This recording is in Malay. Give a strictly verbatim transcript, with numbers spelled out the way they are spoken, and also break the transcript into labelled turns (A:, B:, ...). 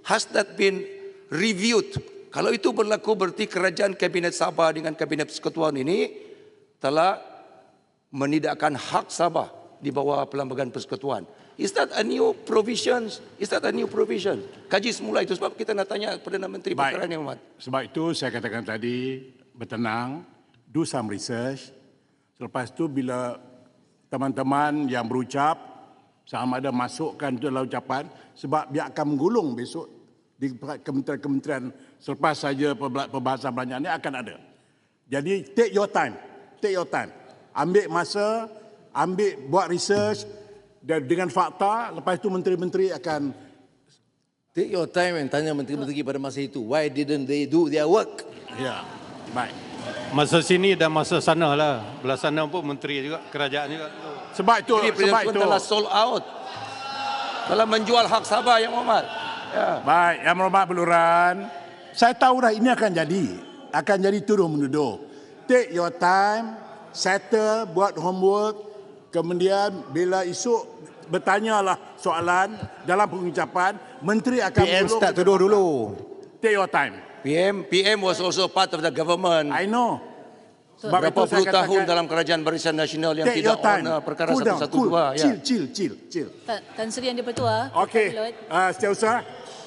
A: has that been reviewed? Kalau itu berlaku, berarti kerajaan Kabinet Sabah dengan Kabinet Persekutuan ini telah menidakkan hak Sabah di bawah Perlembagaan Persekutuan. Is that a new provision? Is that a new provision? Kaji semula itu sebab kita nak tanya Perdana Menteri Pertahanan Yang Hormat.
B: Sebab itu saya katakan tadi, bertenang, do some research. Selepas itu bila teman-teman yang berucap, sama ada masukkan itu dalam ucapan, sebab dia akan menggulung besok di kementerian-kementerian selepas saja pembahasan belanjaan ini akan ada. Jadi take your time, take your time. Ambil masa, ambil buat research dan dengan fakta, lepas itu menteri-menteri akan
C: take your time and tanya menteri-menteri pada masa itu, why didn't they do their work?
B: ya, baik.
D: Masa sini dan masa sana lah. Belah sana pun menteri juga, kerajaan juga.
B: Sebab itu,
A: Jadi
B: sebab
A: Presiden
B: itu.
A: telah sold out, telah menjual hak Sabah Yang Hormat. Ya.
B: Baik, Yang Berhormat Beluran, saya tahu dah ini akan jadi. Akan jadi tuduh menuduh. Take your time, settle, buat homework, kemudian bila esok bertanyalah soalan dalam pengucapan, menteri akan
C: P M
B: menggulung
C: start
B: ke
C: tuduh
B: depan.
C: dulu.
B: Take your time.
A: P M P M was also part of the government.
B: I know. Sebab
A: Berapa
B: itu saya
A: puluh tahun
B: katakan,
A: dalam Kerajaan Barisan Nasional yang
B: take
A: tidak
B: your time.
A: on uh, perkara
B: Cool down,
A: satu satu
B: cool.
A: dua.
B: Chill, chill, chill, chill.
E: Tan, Tan Sri Yang di-Pertua.
B: Okey,
E: Pilot.
B: uh, Setiausaha.